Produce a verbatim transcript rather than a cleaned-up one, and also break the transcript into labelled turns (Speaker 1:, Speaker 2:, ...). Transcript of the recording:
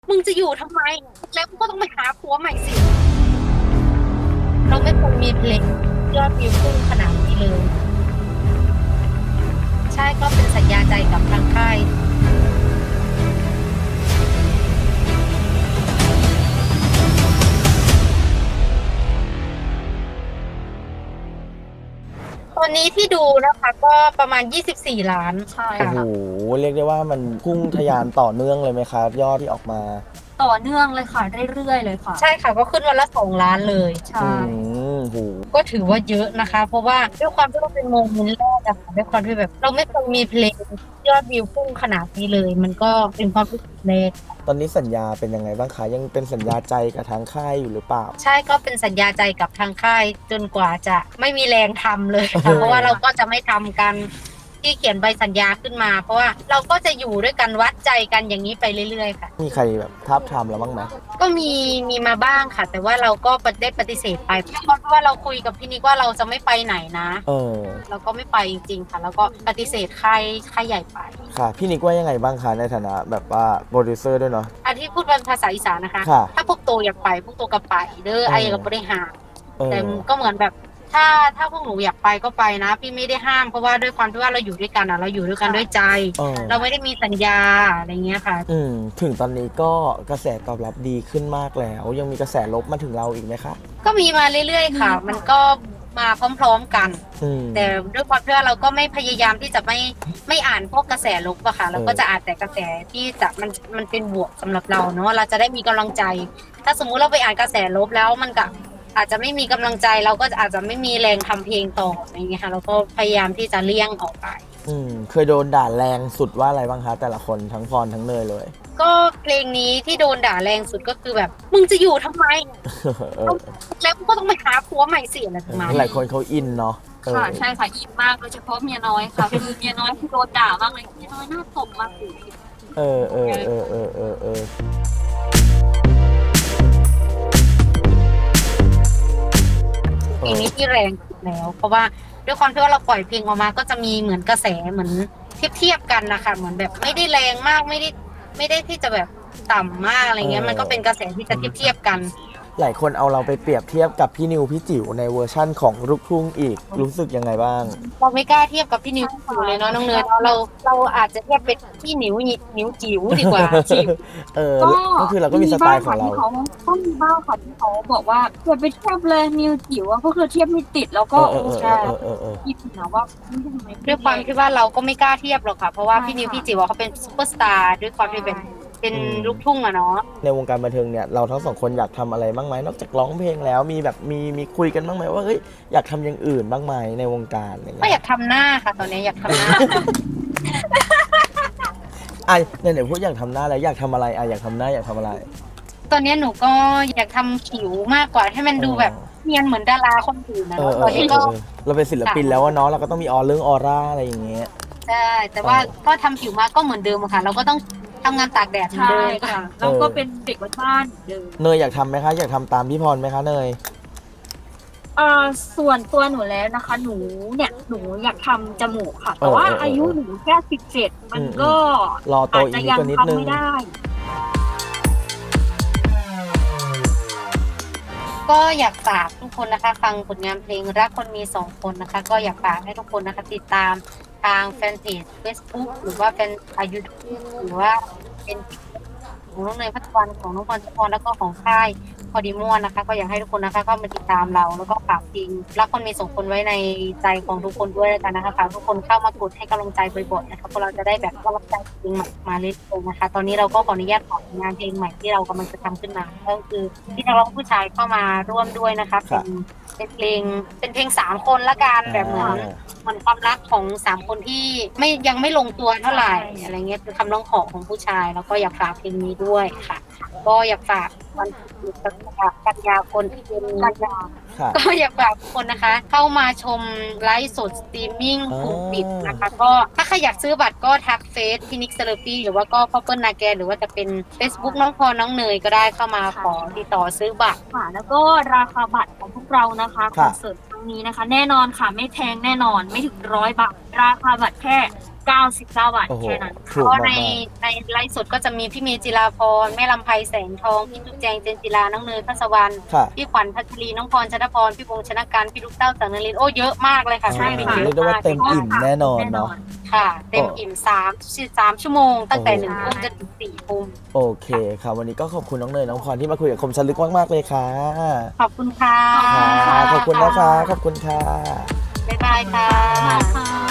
Speaker 1: มึงจะอยู่ทำไมแล้วก็ต้องไปหาผัวใหม่สิเราไม่ควรมีเพลงยอดวิวพุ่งขนาดนี้เลยใช่ก็เป็นสัญญาใจกับทางค่ายตอนนี้ที่ดูนะคะก็ประมาณยี่สิบสี่ล้านใช่
Speaker 2: โอ้โห
Speaker 1: ค่ะ
Speaker 2: เรียกได้ว่ามันพุ่งทะยานต่อเนื่องเลยไหมครับยอดที่ออกมา
Speaker 3: ต่อเนื่องเลยค่ะเรื่อยๆเลยค่ะ
Speaker 1: ใช่ค่ะก็ขึ้นวันละสองล้านเลยใช่
Speaker 2: อืมโห
Speaker 1: ก็ถือว่าเยอะนะคะ เพราะว่าด้วยความที่เราเป็นโมเมนต์แรกอะค่ะด้วยความที่แบบเราไม่เคยมีเพลงยอดวิวพุ่งขนาดนี้เลย มันก็เป็นความรู้สึกแรก
Speaker 2: ตอนนี้สัญญาเป็นยังไงบ้างคะยังเป็นสัญญาใจกับทางค่ายอยู่หรือเปล่า
Speaker 1: ใช่ก็เป็นสัญญาใจกับทางค่ายจนกว่าจะไม่มีแรงทำเลยค่ะเพราะว่าเราก็จะไม่ทำกันที่เขียนใบสัญญาขึ้นมา เพราะว่าเราก็จะอยู่ด้วยกันวัดใจกันอย่างนี้ไปเรื่อยๆค่ะ
Speaker 2: มีใครแบบทับทามเราบ้างไหม
Speaker 1: ก็มีมีมาบ้างค่ะ แต่ว่าเราก็ได้ปฏิเสธไปเพราะว่าเราคุยกับพี่นิกว่าเราจะไม่ไปไหนนะ
Speaker 2: เออ
Speaker 1: เราก็ไม่ไปจริงๆค่ะ แล้วก็ปฏิเสธค่ายค่ายใหญ่ไป
Speaker 2: ค่ะพี่นิกว่ายังไงบ้างคะในฐานะแบบว่าโปรดิวเซอร์ด้วยเนาะ
Speaker 1: อันที่พูดเป็นภาษาอีสานนะคะ
Speaker 2: ค่ะ
Speaker 1: ถ้าพวกโตอยากไปพวกโตก็ไปเด้อไอ้ก็ไม่ได้ห้าม
Speaker 2: เอ
Speaker 1: แต่
Speaker 2: อ
Speaker 1: ก็เหมือนแบบถ้าถ้าพวกหนูอยากไปก็ไปนะ พี่ไม่ได้ห้ามเพราะว่าด้วยความที่ว่าเราอยู่ด้วยกันอ่ะเราอยู่ด้วยกันด้วยใจ
Speaker 2: เออ
Speaker 1: เราไม่ได้มีสัญญาอะไรเงี้ยค่ะ
Speaker 2: อืมถึงตอนนี้ก็กระแสตอบรับดีขึ้นมากแล้ว ยังมีกระแสลบมาถึงเราอีกไหมคะ
Speaker 1: ก็มีมาเรื่อยๆค่ะ มันก็มาพร้อมๆกัน
Speaker 2: อืม
Speaker 1: แต่ด้วยความที่ว่าเราก็ไม่พยายามที่จะไม่ไม่อ่านพวกกระแสลบอะค่ะเราก็จะอ่านแต่กระแสที่จะมันมันเป็นบวกสำหรับเราเนาะเราจะได้มีกำลังใจ ถ้าสมมุติเราไปอ่านกระแสลบแล้วมันก็อาจจะไม่มีกำลังใจเราก็อาจจะไม่มีแรงทำเพลงต่ออะไรอย่างเงี้ยค่ะเราก็พยายามที่จะเลี่ยงออกไป
Speaker 2: อืมเคยโดนด่าแรงสุดว่าอะไรบ้างคะแต่ละคนทั้งพรทั้งเนยเลย
Speaker 1: ก็เพลงนี้ที่โดนด่าแรงสุดก็คือแบบมึงจะอยู่ทำไม
Speaker 2: เออ
Speaker 1: แล้วก็ต้องไปหาผัวใหม่สิอะไรประมาณ
Speaker 2: หลายคนเขาอินเนาะ
Speaker 3: ค่ะใช่ค่ะอินมากโดยเฉพาะเมียน้อยค่ะคือเมียน้อยที่โดนด่ามากเลยเมียน้อยหน้าตบมากเลย
Speaker 2: เออเออเออเออเออเออ
Speaker 1: เพลงนี้ที่แรงสุดแล้วเพราะว่าด้วยความที่ว่าเราปล่อยเพลงออกมาก็จะมีเหมือนกระแสเหมือนเทียบเทียบกันนะคะเหมือนแบบไม่ได้แรงมากไม่ได้ไม่ได้ที่จะแบบต่ำมากอะไรเงี้ยมันก็เป็นกระแสที่จะเทียบเทียบกัน
Speaker 2: หลายคนเอาเราไปเปรียบเทียบกับพี่นิวพี่จิ๋วในเวอร์ชั่นของลูกทุ่งอีกรู้สึกยังไงบ้าง
Speaker 1: เราไม่กล้าเทียบกับพี่นิวจิ๋วเลยเนาะน้องเนยเราเราอาจจะเทียบเป็นพี่นิวนิวจิ๋วดีกว่าจิ๋ว
Speaker 2: เออก็คือเราก็มีสไตล์ของเรา
Speaker 3: ที่เขาก็มีบ้างค่ะที่เขาบอกว่าอย่าไปเทียบเลยนิวจิ๋วก็คือเทียบไม่ติดแล้วก็
Speaker 2: เออเออเออเออเออ
Speaker 3: คิดนะว่า
Speaker 1: ด้วยความที่ว่าเราก็ไม่กล้าเทียบหรอกค่ะเพราะว่าพี่นิวพี่จิ๋วเขาเป็นซุปเปอร์สตาร์ด้วยความที่เป็นเป็นลูกทุ่งอะเนาะ
Speaker 2: ในวงการบันเทิงเนี่ยเราทั้งสองคนอยากทำอะไรบ้างไหมนอกจากร้องเพลงแล้วมีแบบมีมีคุยกันบ้างไหมว่าเฮ้ยอยากทำอย่างอื่นบ้างไหมในวงการอะไรเงี้
Speaker 1: ก็
Speaker 2: ย
Speaker 1: อยากทำหน้าค่ะตอนนี้อยากทำหน้า
Speaker 2: อ่ะเนี่ยเดี๋ยวพูดอยากทำหน้าแล้วอยากทำอะไรอ่ะอยากทำหน้าอยากทำอะไร
Speaker 1: ตอนนี้หนูก็อยากทำผิวมากกว่าให้มันดูแบบเนียนเหมือนดาราคนอื่นนะตอนนี้ก็
Speaker 2: เราเป็นศิลปินแล้วเนาะเราก็ต้องมีออเรื่องออร่าอะไรอย่างเงี้ย
Speaker 1: ใช่แต่ว่าก็ทำผิวมาก็เหมือนเดิมค่ะเราก็ต้องทำงานตากแดดเหมือนเดิม
Speaker 3: ค่ะเราก็เป็นเด็กบ้านเดิม
Speaker 2: เนยอยากทำไหมคะอยากทำตามพี่พรไหมคะเนย
Speaker 3: อ่าส่วนตัวหนูแล้วนะคะ หนูเนี่ยหนูอยากทำจมูกค่ะแต่ว่าอายุหนูแค่สิบเจ็ดมันก็
Speaker 2: รอโตอีกนิดนึง
Speaker 3: ไม่ได้
Speaker 1: ก็อยากฝากทุกคนนะคะฟังผลงานเพลงรักคนมีสองคนนะคะก็อยากฝากให้ทุกคนนะคะติดตามทางแฟนเพจ Facebook หรือว่าแฟนยูทูบหรือว่าเป็นของน้องเนยพัฒวันของน้องพรชพรแล้วก็ของค่ายพอดีม่วนนะคะก็อยากให้ทุกคนนะคะเข้ามาติดตามเราแล้วก็ฝากเพลงรักคนมีสองคนไว้ในใจของทุกคนด้วยกันนะคะฝากทุกคนเข้ามากดให้กำลังใจบ่อยๆนะคะเพราะเราจะได้แบบกำลังใจเพลงใหม่มาเรื่อยๆนะคะตอนนี้เราก็ขออนุญาตฝากงานเพลงใหม่ที่เรากำลังจะทำขึ้นมาก็คือที่นักร้องผู้ชายเข้ามาร่วมด้วยนะคะเป็นเป็นเพลงเป็นเพลงสามคนละกันแบบเหมือนเหมือนความรักของสามคนที่ไม่ยังไม่ลงตัวเท่าไหร่อะไรเงี้ยคือคำร้องขอของผู้ชายแล้วก็อยากฝากเพลงนี้ด้วยค่ะก็อยากฝากวันที่กันยาคนที่เป็นกันยาก็อยากฝากทุกคนนะคะ เข้ามาชมไลฟ์สดสตรีมมิ่งกลุ่มปิดนะคะก็ถ้าใครอยากซื้อบัตรก็ทักเฟซพินิกเซเลปี้หรือว่าก็พ่อเปิ้ลนาแกนหรือว่าจะเป็น Facebook น้องพรน้องเนยก็ได้เข้ามาขอติดต่อซื้อบัตร
Speaker 3: ค่ะแล้วก็ราคาบัตรของพวกเรานะคะคอนเสิร์ตครั้งนี้นะคะแน่นอนค่ะไม่แพงแน่นอนไม่ถึงร้อยบาทราคาบัตรแค่เก้าสิบเก้าบาท
Speaker 2: โอ้โห
Speaker 3: แค่นั้น
Speaker 2: ถู
Speaker 1: เพ
Speaker 2: ก
Speaker 1: ราะใน
Speaker 2: มาก
Speaker 1: ในไลฟ์สดก็จะมีพี่เมย์จิราพรแม่ลำไพแสงทอง พี่จุ๊บแจงเจนจิราน้องเนยพัสวรรณ
Speaker 2: ๆค่ะ
Speaker 1: พี่ขวัญพัชรีน้องพรชนพรพี่วงศ์ชนะการพี่ลูกเต้าสังนรินทร์โอ้เยอะมากเลยค่ะ
Speaker 2: อ๋อ
Speaker 3: ใช่
Speaker 1: ศิล
Speaker 3: ค่ะ
Speaker 1: ปิน
Speaker 2: เรียกได้ว่าเต็มอิ่มแน่นอนเนาะ
Speaker 1: ค่ะ เต็มอิ่มสามสามชั่วโมง ตั้งแต่
Speaker 2: โอ้
Speaker 1: หนึ่งทุ่มจนถึงสี่ทุ่ม
Speaker 2: โอเคค่ะวันนี้ก็ขอบคุณน้องเนยน้องพรที่มาคุยกับคมชันลึกมากๆเลยค่ะ
Speaker 1: ขอบคุณค่ะ
Speaker 2: ค่ะขอบคุณนะคะขอบคุณค่ะ
Speaker 1: บ๊ายบายค่ะ
Speaker 3: ค่ะ